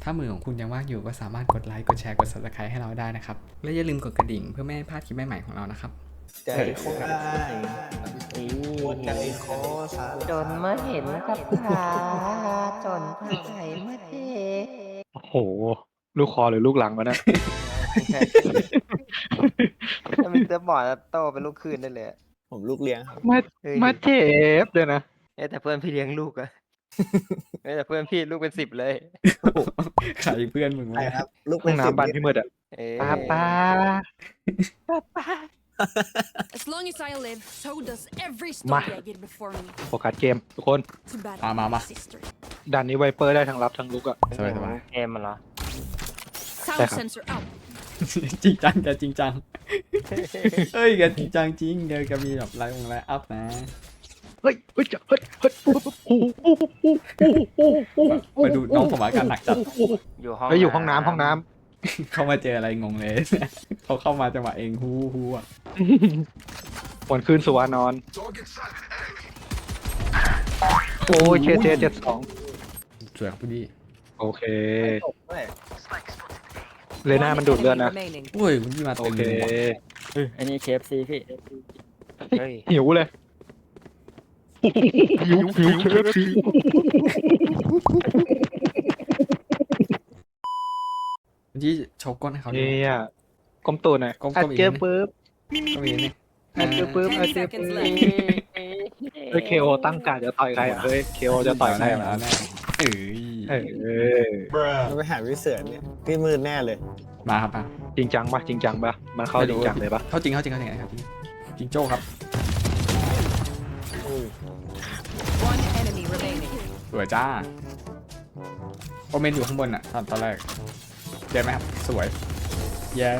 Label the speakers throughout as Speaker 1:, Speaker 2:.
Speaker 1: ถ้ามือของคุณยังว่างอยู่ก็สามารถกดไลค์กดแชร์กด Subscribe ให้เราได้นะครับและอย่าลืมกดกระดิ่งเพื่อไม่ให้พลาดคลิปใหม่ๆของเรานะครับ
Speaker 2: ใจโคตรได้โคตรใจคอสา
Speaker 3: จนมาเห็นกับตาจนพาใจมาเท
Speaker 4: โอ้โห ลูกคอหรือลูกหลังวะเนี่ย
Speaker 3: ถ้ามีเตอร์บอร์ดแล้วโตเป็นลูกคืนได้เลย
Speaker 2: ผมลูกเลี้ยงครับ
Speaker 4: มาเจ็บด้วยนะ
Speaker 3: แต่เพื่อนพี่เลี้ยงลูกอะแต่เพื่อนพี่ลูกเป็น10เลย
Speaker 1: ใครเพื่อนมึง
Speaker 2: ใช่
Speaker 1: วะ
Speaker 2: ครับ ลูก
Speaker 4: ห้
Speaker 2: เป็
Speaker 4: อน ง
Speaker 2: สิบ
Speaker 4: น้ำบ้านพี่มืดอ่ะ ป้าป้า
Speaker 5: As long as I live, so does every
Speaker 4: Ma.
Speaker 5: story I get before me.
Speaker 4: โฟกัสเกมทุกคน
Speaker 5: Too bad
Speaker 1: Ma, ma,
Speaker 5: I'm
Speaker 1: ma.
Speaker 5: my sister.
Speaker 4: ด่านนี้ไวเปอร์ได้ทั้งรับทั้งลุกอ่ะ
Speaker 1: สบาย
Speaker 3: เกมมันเหรอ
Speaker 5: Sound
Speaker 4: Tekra.
Speaker 5: sensor out.
Speaker 1: ๆจริงจังแกจริงจังเฮ้ยแกจริงจังจริงแกมีแบบไลฟ์อัพนะ
Speaker 4: เฮ้ยเฮ้ยเฮ้ยเฮ้ย
Speaker 1: มาดูน้องผมอาการหนักจัด
Speaker 3: อยู่ห้อง
Speaker 4: เฮ้ยอยู่ห้องน้ำห้องน้
Speaker 1: เข้ามาเจออะไรงงเลย เขาเข้ามาจังหวะเองฮู้อ่ะ
Speaker 4: ำวันคืนสุวานอนโอ้ยเคเจ72
Speaker 1: สวยครับพี่ดี
Speaker 4: โอเค
Speaker 2: ตกด้วย
Speaker 4: เลน่ามันดูดเลือดนะ
Speaker 1: โอ้ยคุณพี่มา
Speaker 4: โอ
Speaker 1: เต็ม
Speaker 4: เค
Speaker 1: เลยว่ะ
Speaker 3: อันนี้เคฟซีพี่เฮ้ย
Speaker 4: หิวเลยหิวเคฟซี
Speaker 1: คุณพี่โชว์ก้นให้เขาดู
Speaker 4: เนี่ยก้มตัวหน่อย
Speaker 1: ก้มๆ
Speaker 4: อัด
Speaker 1: อีก
Speaker 4: เจอ
Speaker 1: นิดนึง
Speaker 4: ปุ๊บ
Speaker 1: ก็มีนี่
Speaker 4: อัดเจอปุ๊บอัดเจอปุ๊บเฮ้ยเคโอตั้งการจะต่อยใครอ่ะเฮ้ยเคโอจะต่อยใคร
Speaker 1: แน่
Speaker 4: อ่ะ
Speaker 1: แล้วแน่เอ้ย
Speaker 4: เออ
Speaker 2: เราไปหาวิเศษเนี่ยพี่มืดแน่เลย
Speaker 1: มาครับมา
Speaker 4: จริงจังปะจริงจังปะมันเข้าจริงจังเลยปะ
Speaker 1: เข้าจริงครับจริงโจ้ครับ
Speaker 5: One enemy remaining.
Speaker 1: สวยจ้าโอเมนอยู่ข้างบนอ่ะตอนแรกเจอไหมครับสวยเย้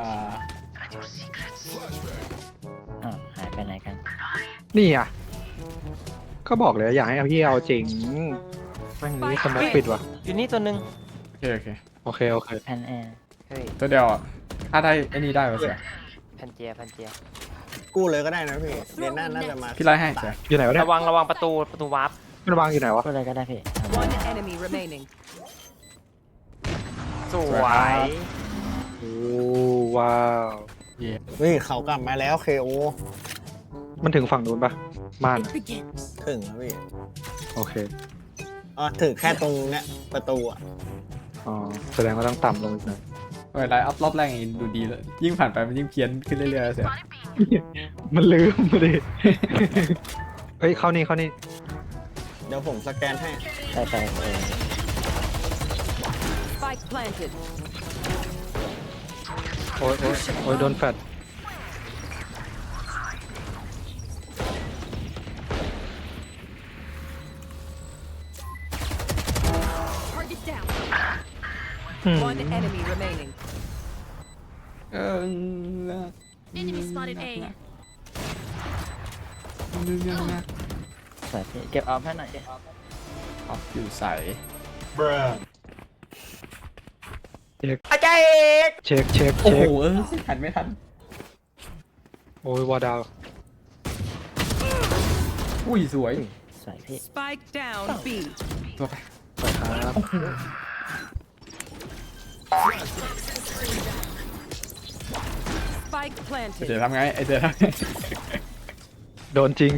Speaker 3: หายไปไหนกัน
Speaker 4: นี่อ่ะก็บอกเลยอยากให้พี่เอาจริงแม่งนี้สมองปิดว่ะ
Speaker 3: อยู่นี่ตัวหนึ่ง
Speaker 1: โอเค
Speaker 4: โอเค
Speaker 3: แพนแอร์เฮ้ย
Speaker 1: ตัวเดียวอ่ะถ้าได้ไอ้นี่ได้ก็เสีย
Speaker 3: แพนเจีย
Speaker 2: กู้เลยก็ได้นะพี่เรียนน่าจะมา
Speaker 1: พี่ไล่ให้เสีย
Speaker 4: อยู่ไหนวะเนี่ย
Speaker 3: ระวังประตูวาร์ป
Speaker 4: มันวางอยู่ไหนวะ
Speaker 3: อะไรก็ได้พี่
Speaker 5: One enemy remaining.
Speaker 3: สวย
Speaker 4: โอ้ว้าว
Speaker 2: นี่เขากลับมาแล้วเคโอ
Speaker 4: มันถึงฝั่งนู้นปะม่าน
Speaker 5: It begins.
Speaker 2: ถึงครับพี่
Speaker 4: โอเค
Speaker 2: อ๋อถึงแค่ตรงเนี้ยประตูอ่ะ
Speaker 4: อ๋อแสดงว่าต้องต่ำลงอีกหน่อย
Speaker 1: เวลาอัพรอบแรกอย่างนี้ดูดีแล้วยิ่งผ่านไปมันยิ่งเพี้ยนขึ้นเรื่อยๆเสีย
Speaker 4: มันลืมมาดิเฮ้ยเข้านี่
Speaker 2: เดี๋ยวผมสแกนให้
Speaker 3: ไป
Speaker 5: Spike planted.
Speaker 4: โอ้ยโดนแฟด
Speaker 5: Target down.
Speaker 4: อืม
Speaker 5: One enemy remaining.
Speaker 1: เออ
Speaker 5: Enemy spotted A.
Speaker 3: สวยพี่เก็บออฟให้หน่อย
Speaker 1: ออฟอยู่ใส
Speaker 4: เช็ค
Speaker 1: โอ้โหหันไม่ทัน
Speaker 4: โอ้ยวอดาว
Speaker 1: อุ้ยสวย
Speaker 3: สวยพี่
Speaker 5: Spike down B.
Speaker 1: ตัวไป
Speaker 4: ไปครับ
Speaker 5: Spike
Speaker 1: เจ
Speaker 5: planted.
Speaker 1: ทำไงไอเจทำไง
Speaker 4: โดนจริง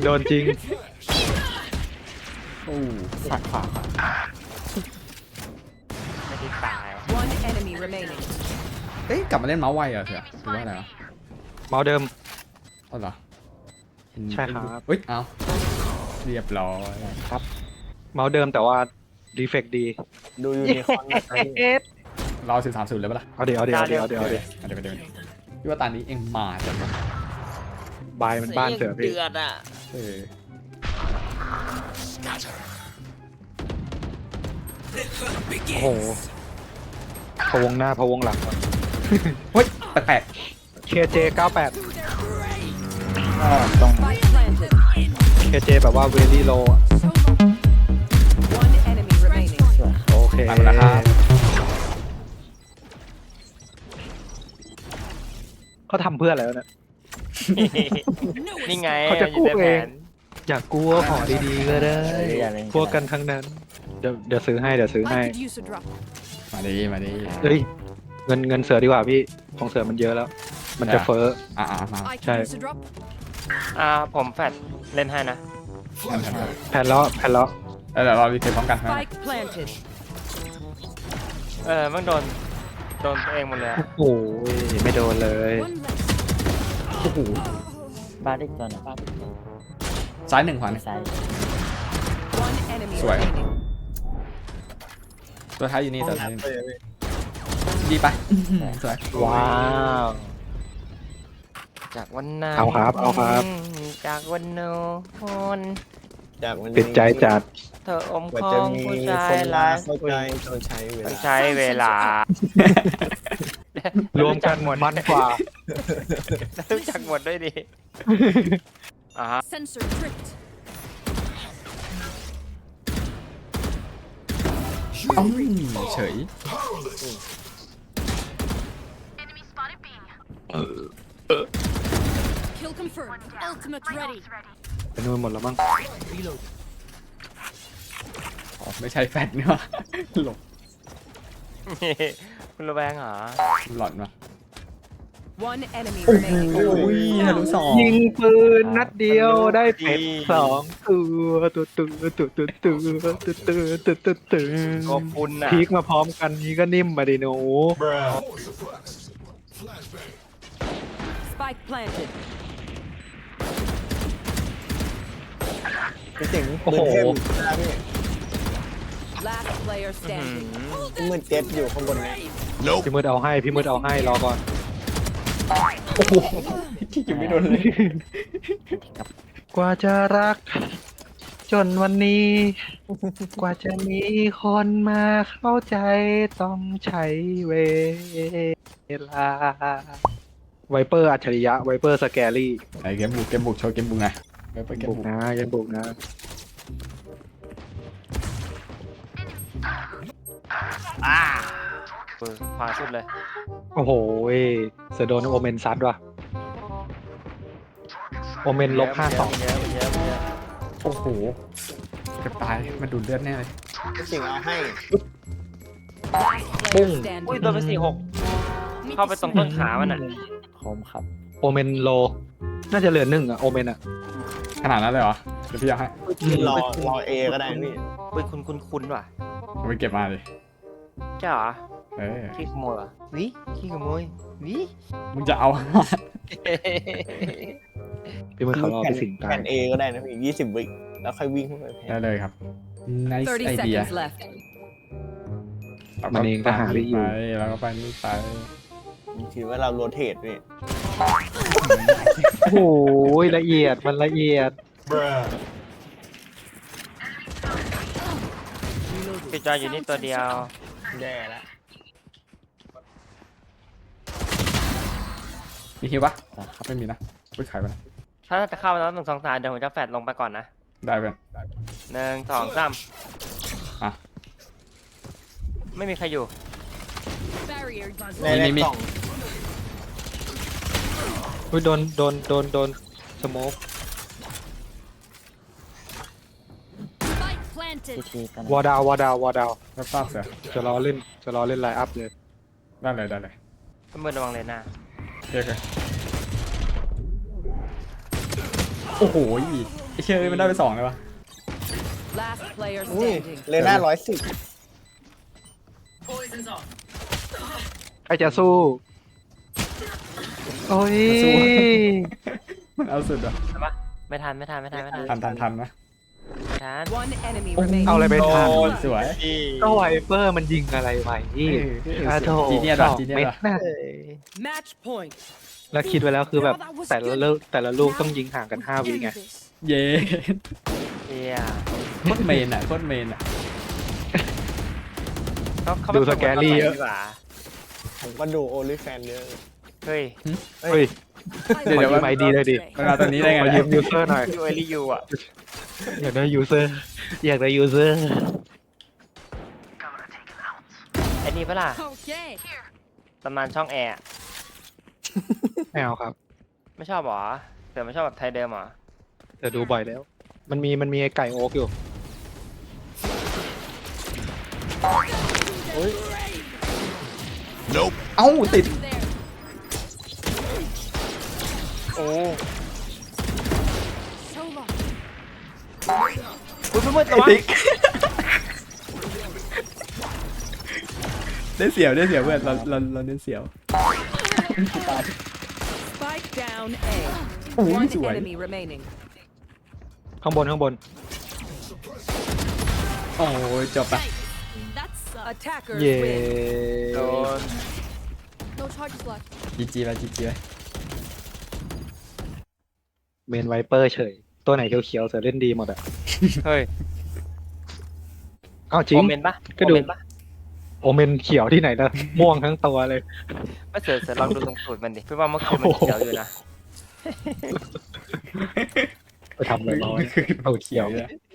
Speaker 1: โอ้ฝัก
Speaker 3: ไม่ได้ตาย
Speaker 5: One enemy remaining.
Speaker 1: เอ้ยกลับมาเล่นเมาส์ไวเหรอเสียหรือว่าอะไรวะ
Speaker 4: เมาส์เดิม
Speaker 1: เอาเหรอเห็น
Speaker 4: ใช่ครับ
Speaker 1: เฮ้ยเอาเรียบร้อย
Speaker 4: ครับ เมาส์เดิมแต่ว่าดีเฟกดี
Speaker 2: ดูยูนิคอร์นนะครับพี่
Speaker 1: รอ13-0เลยปะล่ะ
Speaker 4: เอาเดี๋ยว
Speaker 1: เดี๋ยวพี่ว่าตอนนี้เองมาจัง
Speaker 4: บายมันบ้านเสือพี่
Speaker 3: เดือดอ่ะ
Speaker 1: เออ
Speaker 4: โอ้โหพะวงหน้าพะวงหลัง
Speaker 1: เฮ้ยแปลก
Speaker 4: KJ 98
Speaker 5: Spike planted.
Speaker 4: KJ แบบว่าเวลี่โล
Speaker 5: So long. One enemy remaining.
Speaker 4: โอเค
Speaker 1: ๆไปหมดแล้วครับ
Speaker 4: เขาทำเพื่ออะไรวะเนี่ย
Speaker 3: นี่ไง
Speaker 4: เขาจะกู้
Speaker 3: ยู่ใน
Speaker 4: เอ
Speaker 3: แผ
Speaker 4: ง
Speaker 3: น
Speaker 4: อยากกู้ขอดีๆก็ได้
Speaker 3: อย่าเลย
Speaker 4: พวกกันทั้งนั้น เดี๋ยวซื้อให้
Speaker 5: I could use a drop.
Speaker 1: มาดีมาดี
Speaker 4: เฮ้ยเงินเสือดีกว่าพี่ของเสือมันเยอะแล้ว มันจะเฟ้อ
Speaker 1: มา
Speaker 5: I
Speaker 4: Okay.
Speaker 5: can use a drop.
Speaker 2: ผมแฟดเล่นให้นะ
Speaker 4: แผ่นแล้ว
Speaker 1: เดี๋ยวเรารีเทคพร้อมกันนะ
Speaker 5: Spike planted.
Speaker 2: มันโดนตัวเองหมดเลยอะ
Speaker 4: โอ้ยไม่โดนเลย
Speaker 5: One less.
Speaker 1: โอ้โห
Speaker 3: บ้านอีกตัวนะบ้านอีกตัว
Speaker 1: ซ้าย1ขวา
Speaker 3: ซ้าย
Speaker 5: One enemy
Speaker 1: Swear.
Speaker 5: remaining.
Speaker 1: ตัวท้ายอยู่นี่ตัวท้ายอยู่นี่ดีไปสวย
Speaker 4: ว้าว
Speaker 2: จากวันนั้น
Speaker 4: เอาครับ
Speaker 2: จากวันโน้น
Speaker 6: จากวันนี้
Speaker 4: ติดใจจัด
Speaker 2: เธออม
Speaker 6: กว่า
Speaker 2: คอ
Speaker 6: จะ
Speaker 2: ง
Speaker 6: มี
Speaker 2: ผู้ชา
Speaker 6: ค
Speaker 2: ย
Speaker 6: น
Speaker 2: หลาย
Speaker 6: เข้าใจต้องใช้เว
Speaker 2: ต้อ
Speaker 6: ลาง
Speaker 2: ใช้เวลาร
Speaker 4: วมกันมันกว่า
Speaker 2: รู้จักหมดด้วยดิอ่า
Speaker 5: Sensor tripped.
Speaker 1: เอ้าเฉย
Speaker 5: Kill confirmed. Ultimate ready.
Speaker 4: ไปนู่นหมดแล้วมั้ง
Speaker 1: อ๋อไม่ใช่แฟดเนอะหลบ
Speaker 2: คุณระแวงเหรอ
Speaker 1: หลอนวะ
Speaker 5: One enemy remaining.
Speaker 1: โอ้ยทะลุ2
Speaker 4: ยิงปืนนัดเดียวได้เป็ด2ตัว
Speaker 2: ก็คุณน่ะ
Speaker 4: พีกมาพร้อมกันนี้ก็นิ่มมาดิหนู
Speaker 5: Spike planted.
Speaker 6: พี่เจ๋ง
Speaker 4: โอ้โห
Speaker 6: ปืนเทพอยู่ข้างหน้าพี่
Speaker 5: Last player standing.
Speaker 6: พี่มือเจ็บอยู่ข้างบนเนี่ย
Speaker 4: พี่มืดเอาให้รอก่อน
Speaker 1: ยังไม่โดนเลย
Speaker 4: กว่าจะรัก จนวันนี้ กว่าจะมีคนมาเข้าใจต้องใช้เวลา ไวเปอร์อัจฉริยะ ไวเปอร์สแกรี่
Speaker 1: ไอเกมบุกโชว์เกมบุกไงไปเกม
Speaker 4: บุ
Speaker 1: บุ
Speaker 4: ก
Speaker 1: ก
Speaker 4: นะยังบุกนะ
Speaker 2: ขวาสุดเลย
Speaker 4: โอ้โหเสือโดนโอเมนซัดว่ะ โอเมนลบ52
Speaker 2: เยอะ
Speaker 1: โอ้โหเกือบตายมันดูดเลือดแน่เลย
Speaker 6: พี่เจ๋งเอาให้
Speaker 5: Player
Speaker 2: อุ้ย
Speaker 5: standing.
Speaker 2: โดนไป46 เข้าไปตรงต้นขามันอ่ะ
Speaker 3: คมครับ
Speaker 4: โอเมนโล น่าจะเหลือ1อ่ะ โอเมนอ่ะ
Speaker 1: ขนาดนั้นเลยเหรอเดี๋ยวพี่เอาให้
Speaker 6: รอเอก็ได้พี่
Speaker 2: อุ้ยคุ้นว่ะ
Speaker 1: เอาไปเก็บมาเลย
Speaker 2: ใช่เหรอ
Speaker 1: เออ
Speaker 2: ขี้ขโมยเหรอวิขี้ขโมยวิ
Speaker 1: มึงจะเอา
Speaker 4: พี่มือเขารอไปสิงตา
Speaker 6: แผ่
Speaker 4: ย
Speaker 6: นเอก็ได้นะพี่20 วิแล้วค่อยวิ่งเข้าไปแผ่
Speaker 1: ได้
Speaker 6: น
Speaker 1: เลยครับ nice
Speaker 5: 30
Speaker 1: idea
Speaker 5: seconds left.
Speaker 4: มันเองก็หาได้อยู่
Speaker 1: ไปแล้วก็ไปนี่ไป
Speaker 6: ถือว่าเราโรเทตพี่
Speaker 4: โอ้โหละเอียดมันละเอียด
Speaker 2: พี่จอยอยู่นี่ตัวเดียว
Speaker 6: แย่แล้ว
Speaker 1: มีคิวปะครับไม่มีนะไปขายไปนะ
Speaker 2: ถ้าจะเข้าแล้ว1 2 3เดี๋ยวผมจะแฟดลงไปก่อนนะ
Speaker 1: ได้เป็น
Speaker 2: 1 2 3
Speaker 1: อ่ะ
Speaker 2: ไม่มีใครอยู่
Speaker 5: Barrier does
Speaker 6: ในแรกกล่อง
Speaker 4: อุ้ยโดนสโมก
Speaker 5: Spike planted.
Speaker 3: ทีกัน
Speaker 4: วอร์ดาว
Speaker 1: รับทราบเสือ
Speaker 4: จะรอเล่นไลน์อัพเลย
Speaker 1: ได้เลย
Speaker 2: ก็มือระวังเลยนะ
Speaker 1: โอเคโอ้โหไอเชื่อมันได้ไป2เลยวะ
Speaker 5: Last player
Speaker 6: อุ้ย
Speaker 5: standing.
Speaker 6: เลน่า110
Speaker 4: ใครจะสู้ โอ้ย
Speaker 1: มันเอาสุดอ่ะ
Speaker 2: ไม่ทัน
Speaker 1: ทันนะ
Speaker 2: ทัน
Speaker 5: One enemy remaining.
Speaker 4: เอาอะไรไปทัน
Speaker 1: สวย
Speaker 4: ก็ไวเปอร์มันยิงอะไรไว้อาโถ
Speaker 1: จีเนียร์
Speaker 4: ส
Speaker 1: ด่ะ
Speaker 4: อง
Speaker 1: จีเนีย
Speaker 4: เม็ด
Speaker 1: ร์ด่ะ
Speaker 4: น่ะ
Speaker 5: Match point.
Speaker 4: แล้วคิดไว้แล้วคือแบบแต่ละลูกต้องยิงห่างกัน5 วิไง
Speaker 1: เย้
Speaker 2: เฮีย
Speaker 1: โคตรเมนอ่ะ
Speaker 2: เขา
Speaker 4: ดูสแกรี่
Speaker 2: เย
Speaker 4: เย
Speaker 2: อะ
Speaker 4: อะ
Speaker 2: ดีกว่า
Speaker 6: ผมก็ดูโอลิแฟนเยอะ
Speaker 2: เฮ้ย
Speaker 4: เฮ้ย
Speaker 1: เดี๋ยว
Speaker 4: ขอยืม ID เลยดิ
Speaker 1: มันมาตอนนี้ได้ไง
Speaker 4: ขอยืมยูเซอร์หน่อย
Speaker 2: ยูเอลิยูอ่ะ
Speaker 4: อยากได้ยูเซอร์
Speaker 2: ไอ้นี่ปะล่ะ
Speaker 5: Okay.
Speaker 2: ตำนานช่องแอร์
Speaker 4: ไม่เอาครับ
Speaker 2: ไม่ชอบเหรอเดี๋ยวไม่ชอบแบบไทยเดิมเหรอ
Speaker 4: แต่ดูบ่อยแล้ว มันมีไอ้ไก่โอ๊กอยู่
Speaker 1: เอ้าติด
Speaker 5: There.
Speaker 2: โอ้
Speaker 5: So long.
Speaker 2: คุณมืดๆ
Speaker 1: ไอ้
Speaker 2: ระวัง
Speaker 1: ติ๊ก ได้เสียวเพื่อนเราเน้นเสียว
Speaker 7: Spike down A.
Speaker 1: โอ้ย
Speaker 7: One
Speaker 1: สวย
Speaker 7: enemy remaining.
Speaker 4: ข้างบน
Speaker 1: โอ้ยจบปะ
Speaker 5: That's
Speaker 7: Attackers
Speaker 4: เย่
Speaker 7: win.
Speaker 2: โดน
Speaker 5: no charges left.
Speaker 1: จีไปจีไป
Speaker 4: เมนไวเปอร์เฉย ตัวไหนเขียวๆเสือเล่นดีหมดอ่ะ
Speaker 2: เฮ้ย
Speaker 4: อ้าวจริง
Speaker 2: โอเมนปะ
Speaker 4: ก็ดู
Speaker 2: โอเมนปะ
Speaker 4: โอเมนเขียวที่ไหนนะ ม่วงทั้งตัวเลย
Speaker 2: ก็เสือลองดูตรงสูตรมันดิเพื่อว่าเมื่อคืนมันเขียวอยู่นะ
Speaker 4: ไปทำอะไรมา วะเอาเขียว
Speaker 1: เลย